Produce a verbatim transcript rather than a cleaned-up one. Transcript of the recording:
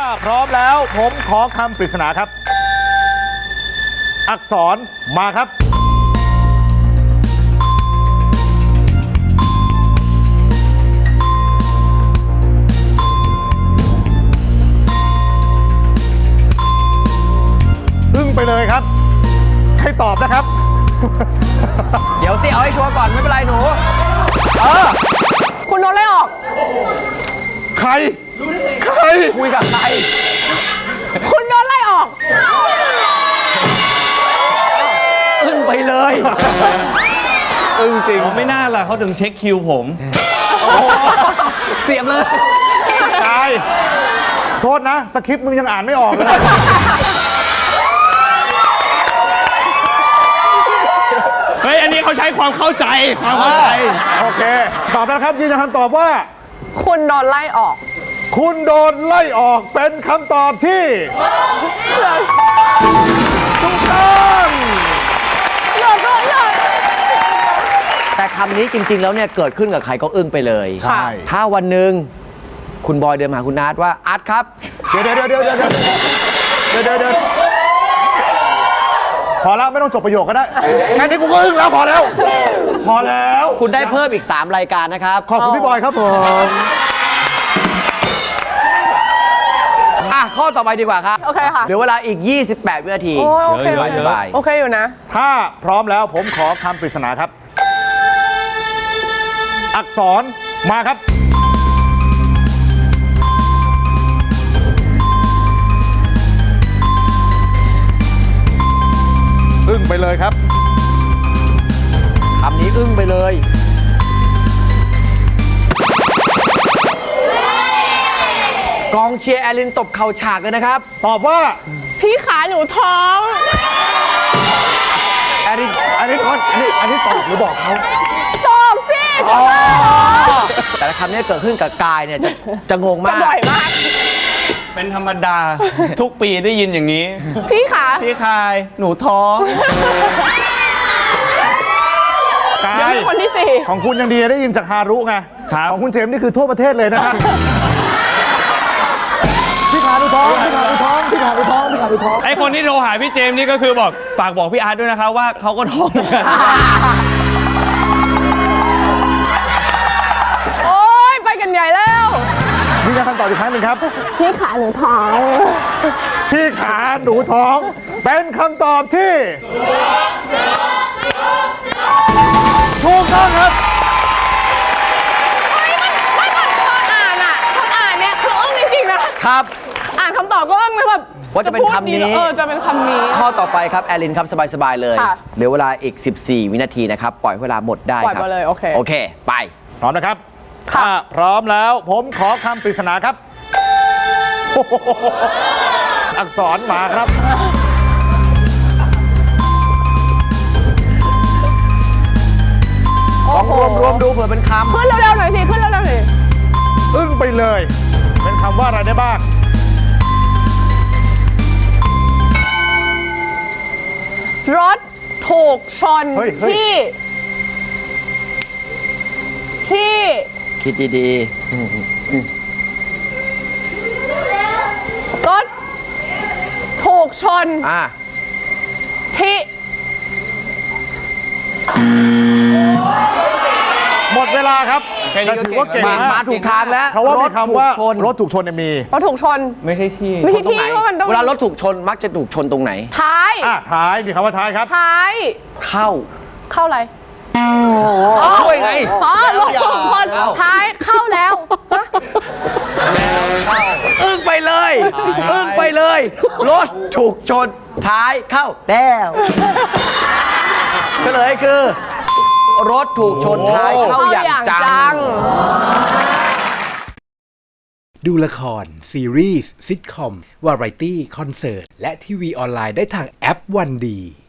พร้อมแล้วผมขอคำปริศนาครับ อักษรมาครับอึ้งไปเลยครับให้ตอบนะครับเดี๋ยวสิเอาให้ชัวร์ก่อนไม่เป็นไรหนูเออคุณโดนไล่ออกใครใครคุยกับใครคุณโดนไล่ออกอึ้งไปเลยอึ้งจริงไม่น่าล่ะเขาถึงเช็คคิวผมเสียบเลยกายโทษนะสคริปต์มึงยังอ่านไม่ออกเลยเฮ้ย อันนี้เขาใช้ความเข้าใจ ความเข้าใจโอเคตอบแล้วครับยืนยันคำตอบว่าคุณโดนไล่ออกคุณโดนไล่ออกเป็นคำตอบที่ถูกต้องหยอดก็หยอดแต่คำนี้จริง ๆ แล้วเนี่ยเกิดขึ้นกับใครก็อึ้งไปเลยใช่ถ้าวันหนึ่งคุณบอยเดินมาหาคุณอาร์ตว่าอาร์ตครับเดี๋ยวเดี๋ยวเดี๋ยวเดี๋ยวเดี๋ยวเดี๋ยวเดี๋ยวเดี๋ยวพอแล้วไม่ต้องจบประโยคก็ได้แค่นี้กูก็อึ้งแล้วพอแล้ว พอแล้วคุณได้เพิ่มอีก สาม รายการนะครับขอบคุณพี่บอยครับผมอ่ะข้อต่อไปดีกว่าครับโอเคค่ะเหลือเวลาอีก ยี่สิบแปด วินาทีโอ้ยโอเคเยโออะเคเยอะสบายโอเคอยู่นะถ้าพร้อมแล้วผมขอคำปริศนาครับ อักษรมาครับอึ้งไปเลยครับคำนี้อึ้งไปเลย กองเชียร์แอลินตบเข่าฉากเลยนะครับตอบว่าพี่ขาหนูท้องแอลินอันนี้ก่อนอันนี้อันนี้ตอบหรือบอกเขาตอบสิแต่ละคำนี้เกิดขึ้นกับกายเนี่ยจะจะงงก็มากบ่อยมากเป็นธรรมดา ทุกปีได้ยินอย่างนี้พี่ขาพี่คาย หนูท้องกาเดี๋ยวย มีคนที่สี่ของคุณยังดีได้ยินจากฮารุไงครับของคุณเจมส์นี่คือทั่วประเทศเลยนะฮะ พี่ขาดูท้อง พี่ขาดูท้อง พี่ขาดูท้อง พี่ขาดูท้องไอคนที่โทรหาพี่เจมส์นี่ก็คือบอกฝากบอกพี่อาร์ตด้วยนะคะว่าเขาก็ท้องเหมือนกันโอ๊ย ไปกันใหญ่แล้วยืนยันคำตอบอีกครั้งหนึ่งครับพี่ขาหนูท้องพี่ขาหนูท้อง เป็นคำตอบที่ถูกต้องครับไม่ก่อนตอนอ่านอ่ะตอนอ่านเนี่ยคืออึ้งจริงๆนะครับ อ่านคำตอบก็อึ้งเลยแบบว่าจะเป็นคำนี้เออจะเป็นคำนี้ข้อต่อไปครับ แอลินครับ สบาย ๆ เลยค่ะเหลือเวลาอีก สิบสี่ วินาทีนะครับ ปล่อยเวลาหมดได้ปล่อยครับมาเลยโอเคโอเค ไปพร้อมนะครับค่ะถ้าพร้อมแล้วผมขอคำปริศนาครับ อักษรมาครับลองรวมรวมดูเผื่อเป็นคำขึ้นเร็วๆหน่อยสิ ขึ้นเร็วๆหน่อยอึ้งไปเลย เป็นคำว่าอะไรได้บ้างรถถูกชนเฮ้ยเฮ้ยที่ ที่คิดดีรถถูกชนๆ อ่ะที่หมดเวลาครับแต่ถือว่าเก่งมานะมาถูกทางแล้วเพราะว่ามีคำว่ารถถูกชนรถถูกชนเนี่ยมีรถถูกชนไม่ใช่ที่ไม่ใช่ตรงไหนที่ว่ามันต้องเวลารถถูกชนมักจะถูกชนตรงไหนท้ายอ่ะท้ายมีคำว่าท้ายครับท้ายเข้าเข้าอะไรช่วยไงอ๋อรถถูกชนท้ายเข้าแล้วฮะอึ้งไปเลย อึ้งไปเลย รถถูกชนท้ายเข้าแล้วเฉลยคือ รถถูกชนท้ายเข้าอย่างจังดูละคร ซีรีส์ซิทคอม วาไรตี้ คอนเสิร์ต และทีวีออนไลน์ได้ทางแอปวันดี